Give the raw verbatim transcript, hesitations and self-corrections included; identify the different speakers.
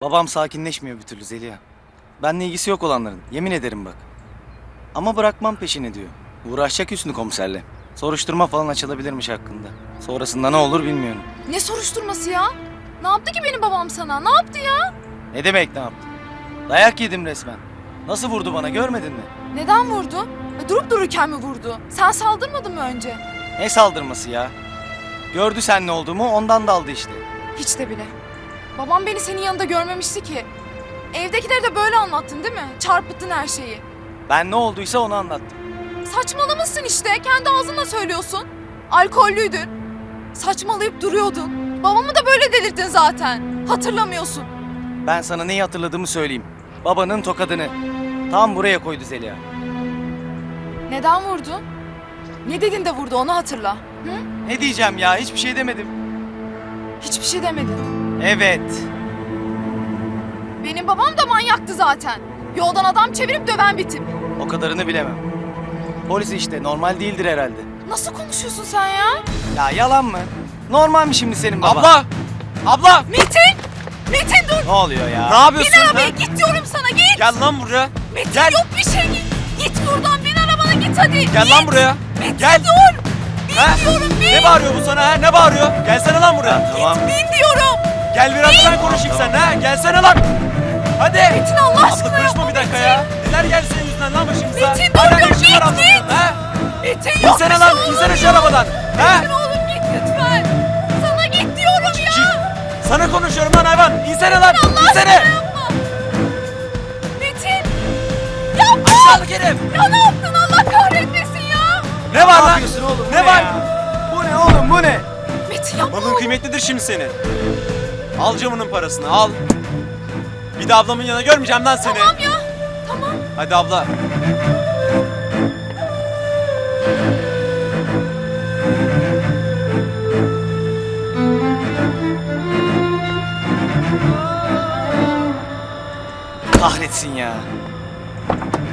Speaker 1: Babam sakinleşmiyor bir türlü Zeliha. Benle ilgisi yok olanların. Yemin ederim bak. Ama bırakmam peşini diyor. Uğraşacak Hüsnü komiserle. Soruşturma falan açılabilirmiş hakkında. Sonrasında ne olur bilmiyorum.
Speaker 2: Ne soruşturması ya? Ne yaptı ki benim babam sana? Ne yaptı ya?
Speaker 1: Ne demek ne yaptı? Dayak yedim resmen. Nasıl vurdu bana görmedin mi?
Speaker 2: Neden vurdu? E, durup dururken mi vurdu? Sen saldırmadın mı önce?
Speaker 1: Ne saldırması ya? Gördü sen ne olduğumu ondan daldı işte.
Speaker 2: Hiç de bile. Babam beni senin yanında görmemişti ki. Evdekileri de böyle anlattın değil mi? Çarpıttın her şeyi.
Speaker 1: Ben ne olduysa onu anlattım.
Speaker 2: Saçmalamışsın işte. Kendi ağzınla söylüyorsun. Alkollüydün. Saçmalayıp duruyordun. Babamı da böyle delirttin zaten. Hatırlamıyorsun.
Speaker 1: Ben sana neyi hatırladığımı söyleyeyim. Babanın tokadını. Tam buraya koydu Zeliha.
Speaker 2: Neden vurdu? Ne dedin de vurdu onu hatırla. Hı?
Speaker 1: Ne diyeceğim ya hiçbir şey demedim.
Speaker 2: Hiçbir şey demedin.
Speaker 1: Evet.
Speaker 2: Benim babam da manyaktı zaten. Yoldan adam çevirip döven bir tip.
Speaker 1: O kadarını bilemem. Polis işte normal değildir herhalde.
Speaker 2: Nasıl konuşuyorsun sen ya?
Speaker 1: Ya yalan mı? Normal mi şimdi senin baban?
Speaker 3: Abla! Abla!
Speaker 2: Metin! Metin dur!
Speaker 1: Ne oluyor ya?
Speaker 3: Ne yapıyorsun?
Speaker 2: Bin arabaya
Speaker 3: ha?
Speaker 2: git diyorum sana git!
Speaker 3: Gel lan buraya.
Speaker 2: Metin
Speaker 3: Gel.
Speaker 2: yok bir şey git! Git buradan bin arabana git hadi!
Speaker 3: Gel
Speaker 2: git.
Speaker 3: lan buraya.
Speaker 2: Metin
Speaker 3: Gel.
Speaker 2: dur! Bin
Speaker 3: Ha?
Speaker 2: diyorum bin!
Speaker 3: Ne bağırıyor bu sana ha? Ne bağırıyor? Gelsene lan buraya.
Speaker 1: Tamam.
Speaker 2: Bin diyorum!
Speaker 3: Gel biraz da ben konuşayım seninle ha. Gelsene lan. Hadi.
Speaker 2: Metin Allah aşkına
Speaker 3: Abla karışma
Speaker 2: yapma
Speaker 3: bir dakika
Speaker 2: Metin.
Speaker 3: ya. Neler geldi senin yüzünden lan başımıza?
Speaker 2: Metin, dur,
Speaker 3: Hala ne
Speaker 2: dur,
Speaker 3: işin var
Speaker 2: git,
Speaker 3: ablanın?
Speaker 2: git.
Speaker 3: Ha?
Speaker 2: Metin yok
Speaker 3: İnsene
Speaker 2: bir
Speaker 3: lan.
Speaker 2: şey olur
Speaker 3: İnsene şu
Speaker 2: ya.
Speaker 3: arabadan. Ha?
Speaker 2: Metin oğlum git lütfen! Sana git diyorum ya!
Speaker 3: Çık. Sana konuşuyorum lan hayvan. İnsene lan.
Speaker 2: Allah
Speaker 3: İnsene.
Speaker 2: aşkına yapma! Metin! Yapma!
Speaker 3: Aşağılık herif.
Speaker 2: Ya ne yaptın Allah kahretmesin ya!
Speaker 3: Ne var
Speaker 1: Ne
Speaker 3: lan?
Speaker 1: yapıyorsun oğlum? Bu
Speaker 3: Ne var?
Speaker 1: ya? Bu ne oğlum bu ne?
Speaker 2: Metin yapma
Speaker 3: Malın
Speaker 2: oğlum.
Speaker 3: kıymetlidir şimdi senin. Al camının parasını al. Bir de ablamın yanına görmeyeceğim lan seni.
Speaker 2: Tamam ya. Tamam.
Speaker 3: Hadi abla.
Speaker 1: Kahretsin ya.